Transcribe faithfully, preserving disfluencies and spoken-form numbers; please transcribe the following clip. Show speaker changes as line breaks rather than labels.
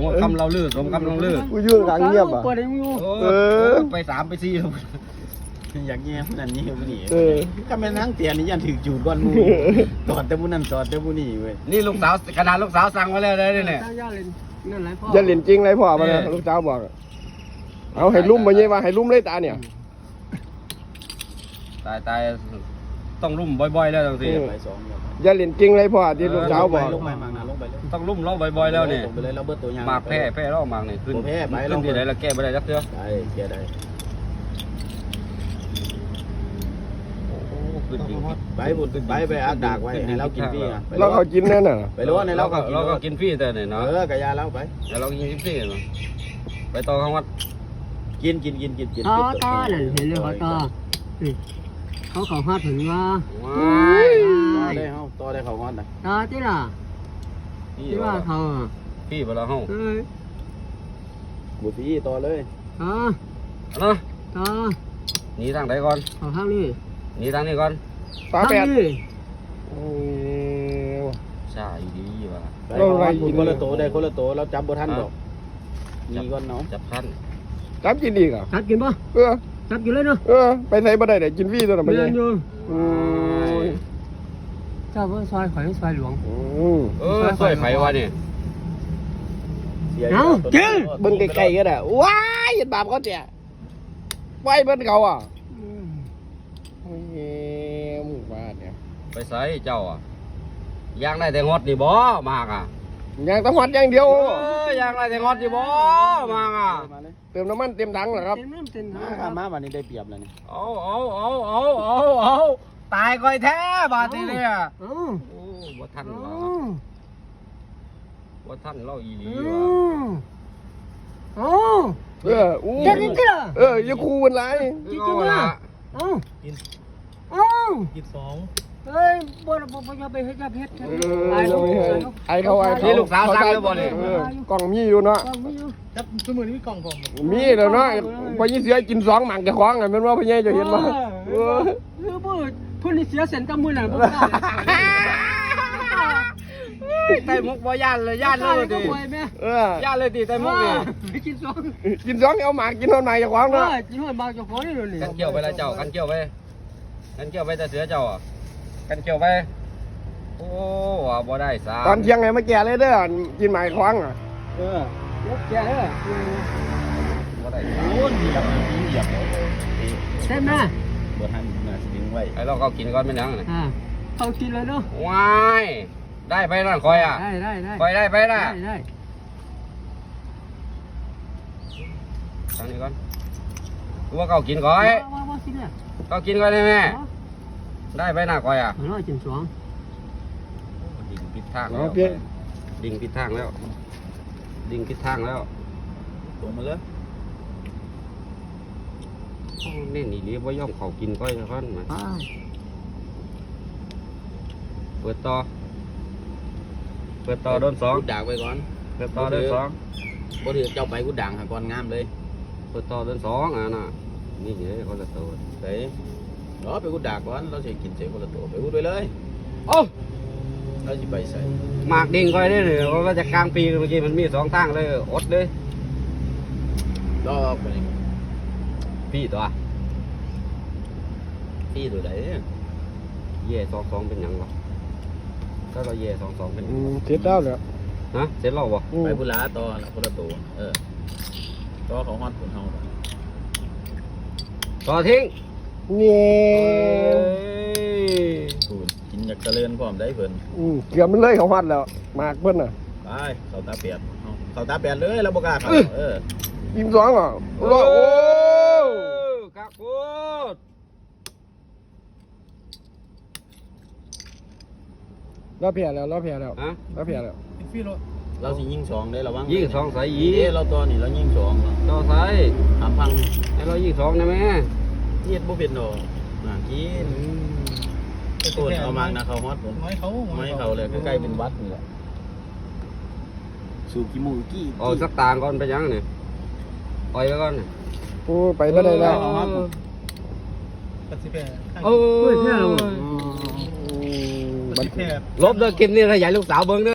ว่าคำเราลื่นสมคำเราลื่น
กูยืนกลางเงียบอ่ะ
เออไปสามไปสี่แล้ว
อยากเงี้ยนั่นนี่ผู้นี้
เออ
ก็แม่นั่งเตียนี่ยันถึงจูดก้อนมูตอดแต่ผู้นั้นตอดแต่ผู้นี้เว้ย
นี่ลูกสาวขนาดลูกสาวสั่งมาแล้วเลยเนี่ย
อย่าเล่นจริงเลยพ่อมาเลยลูกสาวบอกเอาให้ลุ่มมาเนี่ยว่าให้ลุ่มเลยตาเนี่ย
ตายตายต้องลุ่มบ่อยๆแล้วจังสิ
ไปสอง
อย่าเล่นจริงเลยพ่อที่ลูกสาวบอก
ลงไปมางานลงไปเลย
ต้องลุ่มเราบ่อยๆแล้วเนี่ย
ลงไปเลยเราเบิดตัวยาง
มากแพ้แพ้เรามากนี่ขึ้นขึ้นที่ไหนเราแก้ไม่ได้จักเทื่อ
ได้แกได้
ขึ้นจริง
ไปบุญไปไปอักดากไว้ให้เรากินพี่อ่ะ
เราเขากินแน่น่ะ
ไปรู้ว่าในเราก็
เราก็กินฟรีแต่เนี่ยเนาะ
เออกะยาเราไป
แล้วเรากินฟรีเนาะไปต่อข้างวัด
กินกินกินกินกิน
ต่อต่อนั่นเห็นเลยเขาต่อเขาเขาฮอดถึงว่า
ว้าย
ต่อได้เฮาต่อได้เขาฮอดนะ
ต่อที่ล่ะที่ว่าเขา
พี่ไปแล้วเฮา
เอ้ย
บุตรีต่อเลย
ต่อ
เนาะ
ต่อ
หนีทางไหนก่อน
เขาข้างนี้
หนีทางนี้ก่อน
ตาแปด
นี้
ใช่ดีว่ะ
ไปคนละโตได้คนละโตเราจับบ่ทันดอกมีก่อนเนาะ
จับท่าน
จับกินอีกอ่ะ
จับกินป่ะ
เออ
จับกินเลยเนาะ
เออไปใส่บ่ได้แต่กินฟรีตัวน่ะไป
เรี
เลย
นอยู่
อืม
เจ้าเพิ่งซอยข่อยซอยหลวง
อืม
เออสวยไผวะนี่
เบิ่งไกลๆก็ได้ว้ายเห็นบาปเขาเจ้ไว้เบิ่นเขาอ่ะโอ้ยหมู่บ้านเนี่ย
ไปใส่เจ้าอ่ะยางได้แต่งดนี่บ่มากอ่ะ
ยังต้องวัดอย่างเดียว
เออยางได้แต่งดนี่บ่มากอ่ะ
เติมน้ำมันเต็มถังเหรอครับ
เต็มเต็ม
มาข้ามาวันนี้ได้เปรียบแล้วนี่
เอาเอาเอาเอาเอาเอาตายก่อยแท้บาดนี้เนี่ย
เอ้า
โอ้บ่ทัน
เอ้
ว่ะ
า
บ่ทันเล่าอีหลี
เอ้
ว่ะ
าเอ้า
เอออู้
จะกินที่ล่ะ
เอออย่าคูมันไร
กินจริงล่ะเอ้าเอ้า
กินสอง
เอ้ยบ่บ่บ่จะไปเฮ็ดจะเฮ็ด
เออเราไม่ให้ไอเขาไอเขา
นี่ลูกสาวสั่งแล้วบ่นี่
เออกล่องมีอยู่เนาะ
ก็ไม่อยู่
จับสมุนมีกล่องผม
มีแล้วเนาะพอยี่เสือกินสองหมังจะคล้องไงมันว่าพี่ใหญ่จะเห็นมั้ยเออ
คือบ่เพิ่นนี่เสียเส้นกับมือน่ะบ่ได้
ไต่มุกบ่ย่านเลยย่านเลยดิ
เออย่
านเลยดิไต่มุกนี่
ไปกินสอง
กินสองเอาหมากกินนอนหมากจะคล้อง
เอ
เนาะ
อกินหอยบางเจ้าของนี่เลย
กันเกี่ยวไปแล้วเจ้ากันเกี่ยวไปกันเกี่ยวไปแต่เสือเจ้าอ่ะกันเกี่ยวไปโอ้ว่าบ่ได้สา
ตอนเที่ยงไงมาแก่เลยเด้อกินหมากคล้องอ่ะ
เออ
รถแก่เด้อ
บ่ได้
โอ้ยเหยียบเหยียบ
ใช่ไหม
บ่ทันน่ะสิงไว้
ไอ้เราก็กินก่อนเป็นยังไง
อ่าเขากินเลยเนาะ
ว้ายได้ไปนั่นคอยอ่ะ
ได้ได้ได้
คอยได้ไปนะ
ได้ได้
ทางนี้ก่อนรู้ว่าเขากินก่อย
ว่าว่ากินอ่ะ
เขากินก่อนได้ไหมได้ไปนะคอยอ่ะ
ร้อยจิ้มสอง
ดิ่งผิดทางแล้
เอา
ว
เพี้ย
ดิ่งผิดทางแล้ว ดิ่งผิดทางแล้ว
ตัวมาเลย
โอ้เน่นอีหลีบ่ย่อมเขากินก้อยค่อนมา
ป้า
เปิดต่อเปิดต่อโดนสอง
กูด่างไปก่อน
เปิดต่อโดนสอง
บ่ถือเจ้าไปกูด่างหาก่อนงามเลย
เปิดต่อโดนสองอ่ะน่ะนี่เดี๋ยวเขาจะโต
ไปรอไปกูด่าก่อนเราสิกินเสร็จคนละตัวไปกูด้วยเลย
โอ้
เราสิไปใส่
หมากดิ่งก้อยได้เลยว่าจะกลางปีเมื่อกี้มันมีสองทางเลยอดเลย
รอไป
พี่ตัว
พี่ตัวไหน
เย่สองสองเป็นหยังวะถ้าเราเย่สองสองเป็น
อืมเสร็จแล้วเหรอ
ฮะเสร็จแล้วบ่
อืม
ไปบุลาต่อละคนละตัวเออต่อของฮอดผลเฮา
ต่อทิ้ง
เนี่ย
กูกินอยากเจริญพร้อมได้เพิ่น
อืมเกือบมันเลยเขาหัดแล้วหมากเพิ่นน่ะ
ไปเขาตาเปียกเขาตาเปียกเลยเราบ่กล้าเข้าเออ
กินสองอ่ะโอ้โห
กักพูด
เราแพ้แล้วเราแพ้แล้ว
ฮะ
เราแพ้แล้ว
เราสิยิงสองได้ระวัง
ยิงสองใส่ยี
เอ้เราตัวนี่เรายิงสอง
ต่อใส่
ถามพัง
ให้เรายิงสองได้ไหม
เฮ็ดบ่เป็นดอกน่ากินตัวเอามากนะเขาฮอดผมไม่เขาไม่เขาเลยใกล้ๆเป็นวัดนี่แหละสูกิมูกี้
เอาสักต่างก่อนไปยังเนี่ยปล่อยไปก่อน
โอ้ไปไม่ได้แล้ว
โอ้ย
บัน
ลบเด้อคลิปนี้ถ้าอยากลูกสาวเบิ่งเด้อ